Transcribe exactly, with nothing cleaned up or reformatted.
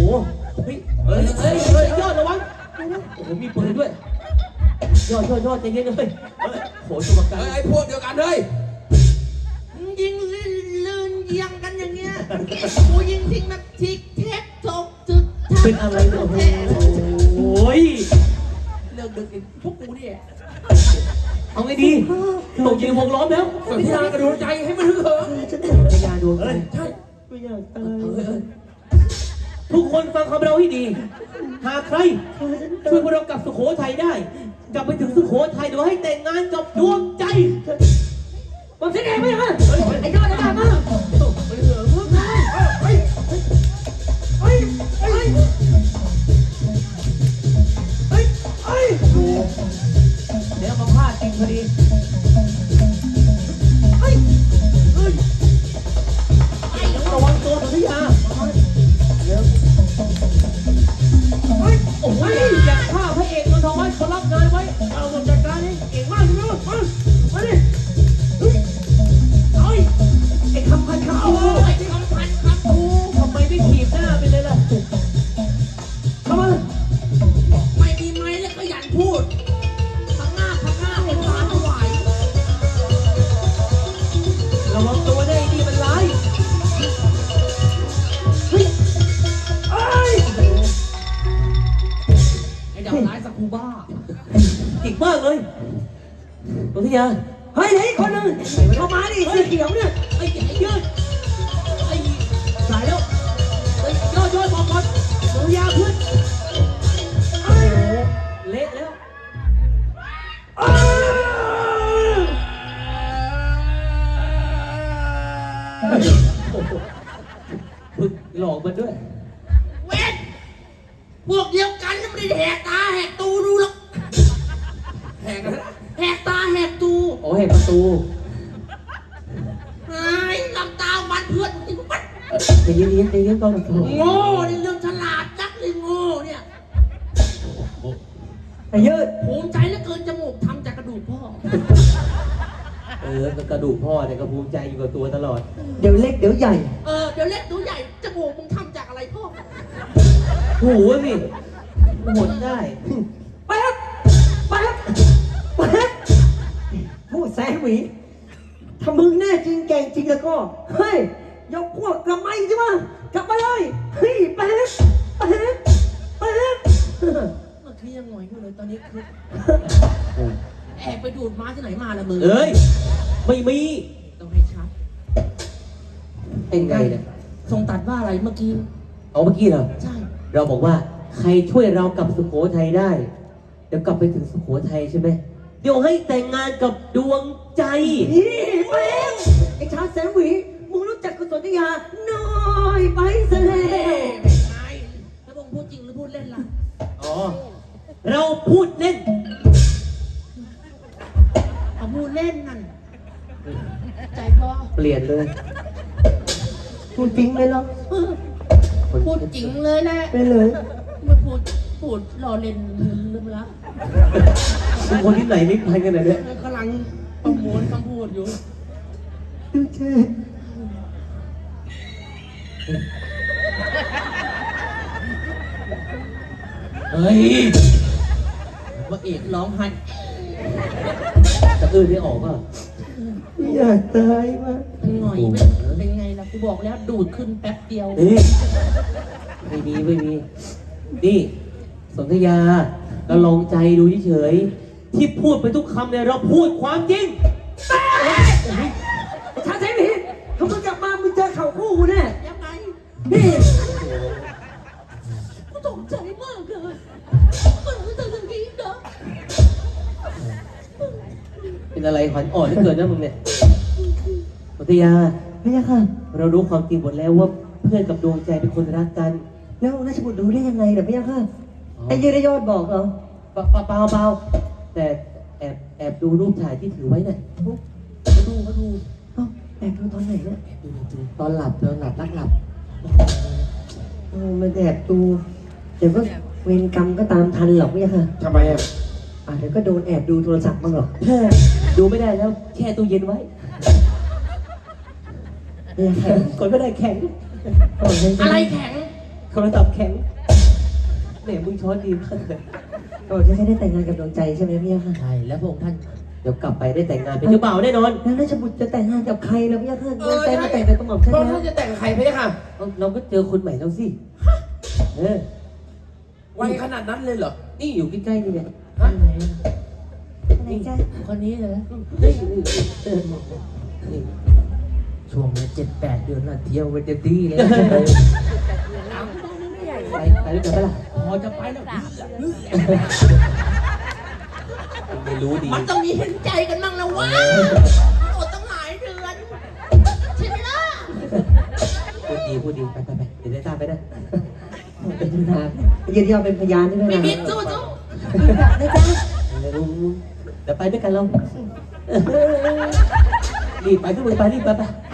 เฮ้ยเฮ้ยเฮ้ยเฮ้ยยอดระวังโอ้โหมีปืนด้วยยอดยอดยอดใจเย็นเลยโหตัวประกันไอ้พวกเดียวกันเลยยิงลื่นเยียงกันอย่างเงี้ยกูยิงทิ้งแบบทิกเทคทกจึกทักเป็นอะไรเนี่ยโอ้ยเลิกดึกอีกพวกกูเนี่ยเอาไงดีตกยิงวงล้อมแล้วสัญญากระโดดใจให้มันถึงเหิมพยาดวงใจใช่ไม่อยากตายทุกคนฟังคำเราให้ดีหากใครช่วยพวกเรากลับสุโขทัยได้ กลับไปถึงสุโขทัยโดยให้แต่งงานกับดวงใจผมเสียเองไหมฮะไอ้ยอดไอ้ดามาไปเหอะมึงไปไปไปไปไปเดี๋ยวมาพลาดจริงพอดีไอ้ไอ้ไอ้ระวังตัวสุริยาเร็วเฮ้ยโอ้ยอย่าฆ่าพระเอกนนทวัฒน์เขารับงานไว้เอาหมดจัดการนี่เก่งมากใช่ไหมมามาดิเฮ้ยไอ้คำพันคำคูไอ้คำพันคำคูทำไมไม่ถีบหน้าไปเลยล่ะเข้ามาไม่มีไม้แล้วก็ยันพูดข้างหน้าข้างหน้าเป็นฟ้าถวายระวังตัวได้ดีมันร้ายเฮ้ยเอ้ยไอ้ดาวร้ายสักคูบ้าเก่งมากเลยตุทิยาเฮ้ยไหนคนนึงเข้ามาดิสีเขียวเนี่ยไอ้ไอ้ยืดไอ้สายแล้วไอ้ยอดยอดบอกก่อนตุทิยาเพื่อนไอ้เละแล้วพึ่งหลอกมันด้วยเว้นพวกเดียวกันไม่ได้แหกตาแหกตูดูหรอกแหกกันแหกตาแหกตูโอ้เห็นประตูไอ้ลำตาวันเพื่อนจริงปั๊ดใจเย็นๆใจเย็นก่อนโง่ในเรื่องฉลาดจักเลยโง่เนี่ยไอ้ยืดภูมิใจเหลือเกินจมูกทำจากกระดูกพ่อเออกระดูกพ่อเนี่ยก็ภูมิใจอยู่กับตัวตลอดเดี๋ยวเล็กเดี๋ยวใหญ่เออเดี๋ยวเล็กดูใหญ่จมูกมึงทำจากอะไรพ่อหูสิหมดได้แป๊บแป๊บแป๊บพูดแสนหวีถ้ามึงแน่จริงแก่งจริงแล้วก็ เฮ้ย ยกพวกกลับมาอีกใช่ไหมกลับมาเลย เฮ้ยแป๊บแป๊บแป๊บเมื่อกี้ยังหงอยอยู่เลยตอนนี้คือแอบไปดูดม้าที่ไหนมาละมึงเอ้ย ไม่มีต้องให้ชัดเป็นไงเนี่ยทรงตัดว่าอะไรเมื่อกี้เอาเมื่อกี้เหรอใช่เราบอกว่าใครช่วยเรากลับสุโขทัยได้ เดี๋ยวกลับไปถึงสุโขทัยใช่ไหมเดี๋ยวให้แต่งงานกับดวงใจนี่แป๊บไอ้ชาแสนหวีมึงรู้จักกุศลยาน้อยไปซะแล้วเป็นไงแล้วมึงพูดจริงหรือพูดเล่นล่ะอ๋อ เราพูดเล่นเอาพูดเล่นนั่นใจพ่อเปลี่ยนเลยพูดจริงเลยเหรอเออพูดจริงเลยแหละไปเลยไม่พูดพูดรอเล่นลืมละเป็นคนที่ไหนไม่ไปกันเลยเนี่ยกำลังประมวลคำพูดอยู่ดูเธอเฮ้ยว่าเอกร้องไห้จะอื้อได้ออกป่ะอยากตายมากหน่อยเป็นเป็นไงล่ะกูบอกแล้วดูดขึ้นแป๊บเดียวเฮ้ยไม่มีไม่มี นี่สนธยา เราลองใจดูเฉยๆที่พูดไปทุกคำเนี่ยเราพูดความจริงชาแสนหวีถ้ามึงกลับมามึงเจอเข่าคู่กูแน่ยังไงนี่กูตกใจมากเลยก็รู้สึกอย่างนี้เนาะเป็นอะไรขวัญอ่อนเหลือเกินนะมึงเนี่ยสนธยาไม่ใช่ค่ะเรารู้ความจริงหมดแล้วว่าเพื่อนกับดวงใจเป็นคนรักกันแล้วราชบุตรรู้ได้ยังไงเหรอไม่ใช่ค่ะไอ้ยืนได้ยอดบอกเหรอเปล่าเปล่าเปล่าแต่แอบแอบดูรูปถ่ายที่ถือไว้เนี่ยมาดูมาดูเอ้าแอบดูตอนไหนเนี่ยดูดูตอนหลับตอนหลับรักหลับเออมันแอบดูเดี๋ยวก็เวรกรรมก็ตามทันหรอกไม่ใช่ค่ะทำไมอ่ะอ่ะเดี๋ยวก็โดนแอบดูโทรศัพท์บ้างหรอกแค่ดูไม่ได้แล้วแช่ตู้เย็นไว้ไม่ใช่ค่ะคนไม่ได้แข็งก่อนให้อะไรแข็งโทรศัพท์แข็งแหมมึงช้อนดีมากเลยโอ้จะได้แต่งงานกับดวงใจใช่ไหมพี่ค่ะใช่แล้วพระองค์ท่านเดี๋ยวกลับไปได้แต่งงานเป็นเจ้าบ่าวแน่นอนแล้วราชบุตรจะแต่งงานกับใครแล้วพี่ค่ะเอดวงอใจใช่มาแต่งกับกระหม่อมฉันพระองค์นะท่านจะแต่งกับใครไปเนี่ยค่ะเราก็เจอคนใหม่แล้วสิเออไวขนาดนั้นเลยเหรอนี่อยู่ใกล้ๆนี่เนี่ยฮะอะไรจ้ะคนนี้เลยนี่นี่เออนี่ช่วงนี้เจ็ดแปดเดือนน่ะเที่ยวไปเต็มที่เลยไปไปด้วยกันปะล่ะพอจะไปแล้วไม่รู้ดีมันต้องมีเห็นใจกันบ้างแล้ววะโอ้ตั้งหลายเดือนใช่ไหมล่ะพูดดีพูดดีไปไปไปเดี๋ยวได้ทราบไปนะเป็นทางยืนยันเป็นพยานใช่ไหมไม่ล่ะมิดสู้สู้นะจ๊ะเดี๋ยวเดี๋ยวไปด้วยกันเรารีบไปทุกคนไปรีบไปไป